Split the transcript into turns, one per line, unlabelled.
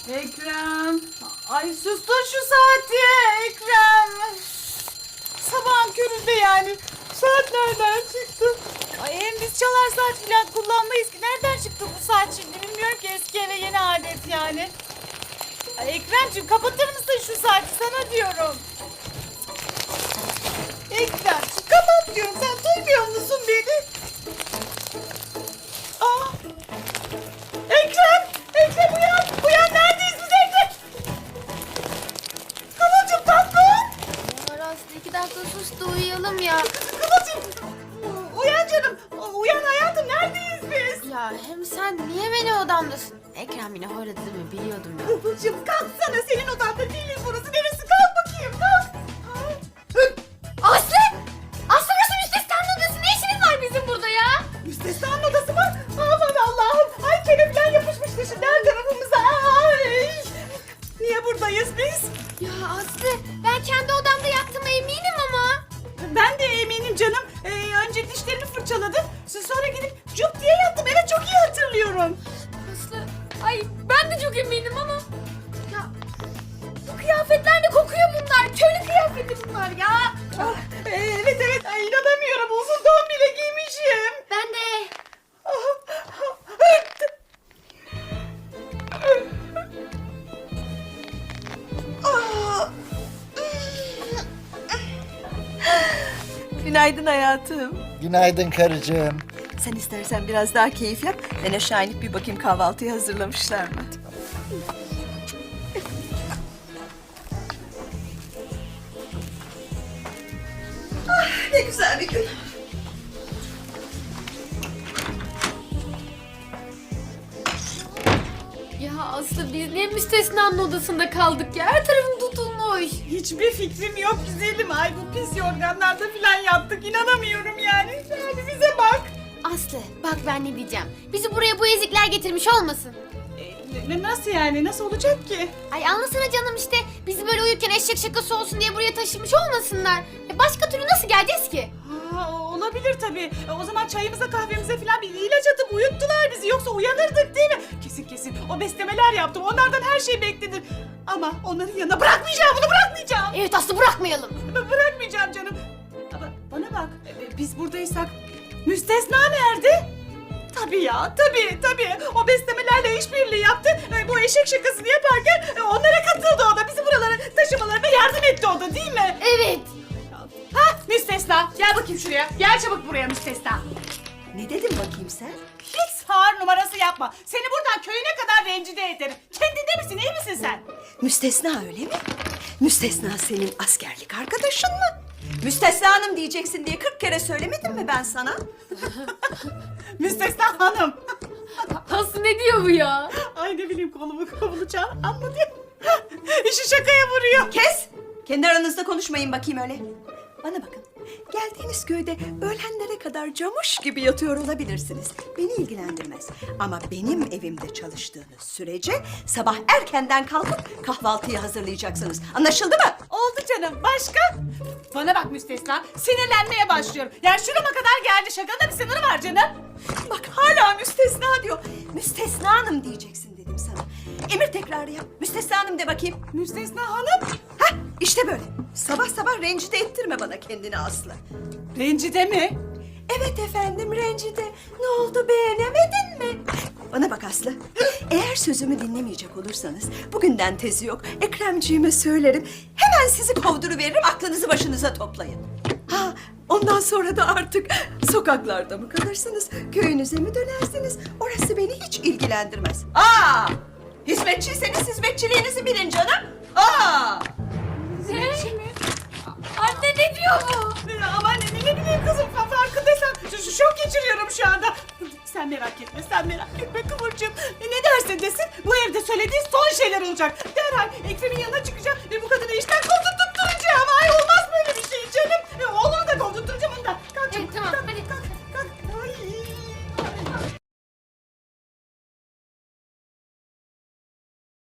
Ekrem. Ay sustur şu saati Ekrem. Sabahın köründe yani. Saat nereden çıktı? Ay hem biz çalar saat falan kullanmayız ki. Nereden çıktı bu saat şimdi bilmiyorum ki, eski eve yeni adet yani. Ay Ekremciğim kapatır mısın şu saati, sana diyorum. Ekrem kapat diyorum, sen duymuyor musun beni? Aa. Ekrem uyan, uyan, neredeyiz biz Ekrem? Kıvılcım tatlım.
Ya Aslı 2 dakika sus da uyuyalım ya.
Kıvılcım uyan canım, uyan hayatım, neredeyiz biz?
Ya hem sen niye beni odamdasın? Ekrem yine horladı değil mi? Biliyordum ya.
Kıvılcım kalksana, senin odanda değiliz burası, neresi, kalk bakayım kalk.
Aslı! Aslı burası müstesnanın odası. Ne işiniz var bizim burada ya?
Müstesnanın odası mı? Aman Allah'ım, ay kene falan yapışmış dışından tarafımıza. Ay. Niye buradayız biz?
Ya Aslı ben kendi odamda yattığıma eminim ama.
Ben de eminim canım. Önce dişlerimi fırçaladım. Sonra gidip cüp diye yattım. Evet, çok iyi hatırlıyorum.
Aslı ay ben de çok eminim ama. Ya bu kıyafetler de kokuyor bunlar. Köylü kıyafeti bunlar ya.
Ah, evet. Ay, inanamıyorum. Uzun don bile giymişim.
Ben de.
Günaydın hayatım.
Günaydın karıcığım.
Sen istersen biraz daha keyif yap. Ben aşağı inip bir bakayım kahvaltıyı hazırlamışlar mı? Ah, ne güzel bir gün.
Ya Aslı biz niye müstesnanın odasında kaldık ya? Her tarafım tutulmuş.
Hiçbir fikrim yok güzelim. Ay, bu pis yorganlarda falan yattık. İnanamıyorum yani. Yani bize bak.
Aslı bak ben ne diyeceğim. Bizi buraya bu ezikler getirmiş olmasın?
Nasıl yani? Nasıl olacak ki?
Ay anlasana canım işte. Bizi böyle uyurken eşek şakası olsun diye buraya taşımış olmasınlar. Başka türlü nasıl geleceğiz ki?
Ha, olabilir tabii. O zaman çayımıza kahvemize falan bir ilaç atıp uyuttular bizi. Yoksa uyanırdık değil mi? Kesin. O beslemeler yaptım. Onlardan her şey beklenir. Ama onların yanına bırakmayacağım. Bunu bırakmayacağım.
Evet Aslı bırakmayalım.
Bırakmayacağım canım. Ama bana bak. Biz buradaysak müstesna nerede? Tabii ya. Tabii. O beslemelerle işbirliği yaptı. Bu eşek şakasını yaparken onlara katıldı o da. Bizi buralara taşımalarına yardım etti o da, değil mi?
Evet.
Ha müstesna. Gel bakayım şuraya. Gel çabuk buraya müstesna.
Ne dedin bakayım sen?
Hiç sağır numarası yapma. Seni buradan köyüne kadar rencide ederim. Kendinde misin? İyi misin sen?
Müstesna öyle mi? Müstesna senin askerlik arkadaşın mı? Müstesna hanım diyeceksin diye 40 kere söylemedim mi ben sana?
Müstesna hanım.
Aslı ne diyor bu ya?
Ay ne bileyim, kolumu kovulacağım. Anladın? İşi şakaya vuruyor.
Kes! Kendi aranızda konuşmayın bakayım öyle. Bana bakın. Geldiğiniz köyde öğlenlere kadar camuş gibi yatıyor olabilirsiniz. Beni ilgilendirmez. Ama benim evimde çalıştığınız sürece sabah erkenden kalkıp kahvaltıyı hazırlayacaksınız. Anlaşıldı mı?
Oldu canım. Başka? Bana bak müstesna. Sinirlenmeye başlıyorum. Yani şurama kadar geldi. Şakanın da bir sınırı var canım.
Bak hala müstesna diyor. Müstesna hanım diyeceksin dedim sana. Emir tekrarı yap. Müstesna hanım de bakayım.
Müstesna hanım.
Hah işte böyle. Sabah sabah rencide ettirme bana kendini Aslı.
Rencide mi?
Evet efendim rencide. Ne oldu beğenemedin mi? Bana bak Aslı. Eğer sözümü dinlemeyecek olursanız bugünden tezi yok. Ekremciğime söylerim. Hemen sizi kovduruveririm, aklınızı başınıza toplayın. Ha, ondan sonra da artık sokaklarda mı kalırsınız? Köyünüze mi dönersiniz? Orası beni hiç ilgilendirmez. Aa! Hizmetçiyseniz hizmetçiliğinizi bilin canım. Aa!
Hizmetçi mi?
Anne ne diyor bu?
Aman ne bileyim kızım, farkındaysan şok geçiriyorum şu anda. Sen merak etme Kıvırcığım. Ne derse desin bu evde söylediği son şeyler olacak. Derhal Ekrem'in yanına çıkacağım ve bu kadar